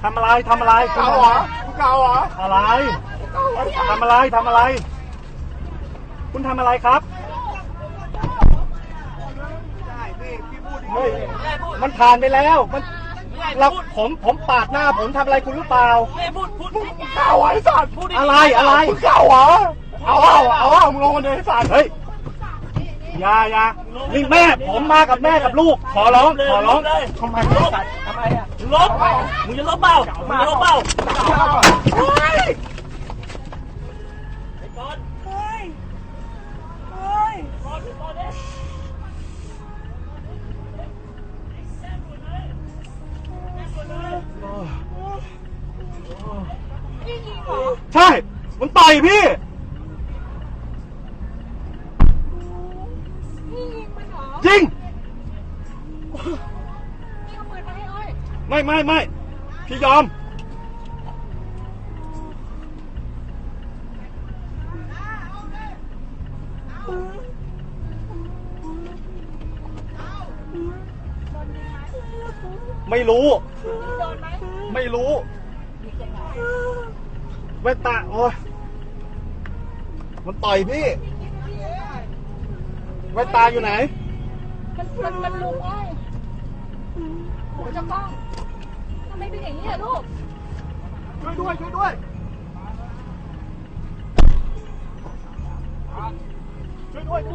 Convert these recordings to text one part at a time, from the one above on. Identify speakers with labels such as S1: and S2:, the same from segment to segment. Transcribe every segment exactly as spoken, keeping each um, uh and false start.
S1: ทำอะไรทำอะไรเก่าเหรอเก่าเหรออะไรทำอะไรทำอะไร คุณทำอะไรครับเฮ้ยมันผ่านไปแล้วมันเราผมผมปาดหน้าผมทำอะไรคุณหรือเปล่าเก่าไอ้สัตว์อะไรอะไรเก่าเหรอเอาเอาเอาเอามึงลงมาเลยไอ้สัตว์เฮ้ยอย่าอย่านี่แม่ผมมากับแม่กับลูกขอร้องขอร้องทำไมทำไมอ่ะลบมึงจะลบเปล่ามึงจะลบเปล่าเฮ้ยไอ้ก้อนเฮ้ยเฮ้ยก้อนก้อนเนี่ยใช่มันต่อยพี่จริงไม่ไม่ไม่พี่ยอมไม่รู้ไม่รู้แว่นตาโอ้ยมันต่อยพี่แว่นตาอยู่ไหน
S2: มันมันมันลุงอ้อยโหเจ้ากล้องทำไมเป็นอย่างนี้อะลูก
S1: ช่วยด้วยช่วยด้วยช่วยด้วย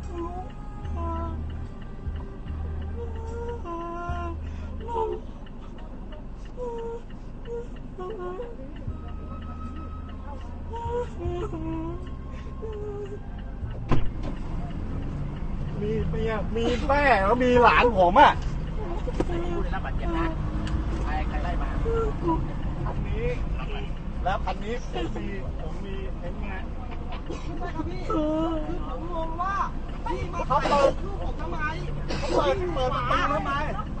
S1: มีเมียมีแม่แล้วมีหลานผมอ่ะผู้ได้รับบาดเจ็บนะใครใครไล่มาคันนี้แล้วคันนี้ผมมีผมมีเห็นไงพี่ผมงงว่าพี่มาเขาเปิดลูกผมทำไมเขาเปิดเปิดประตูทำไม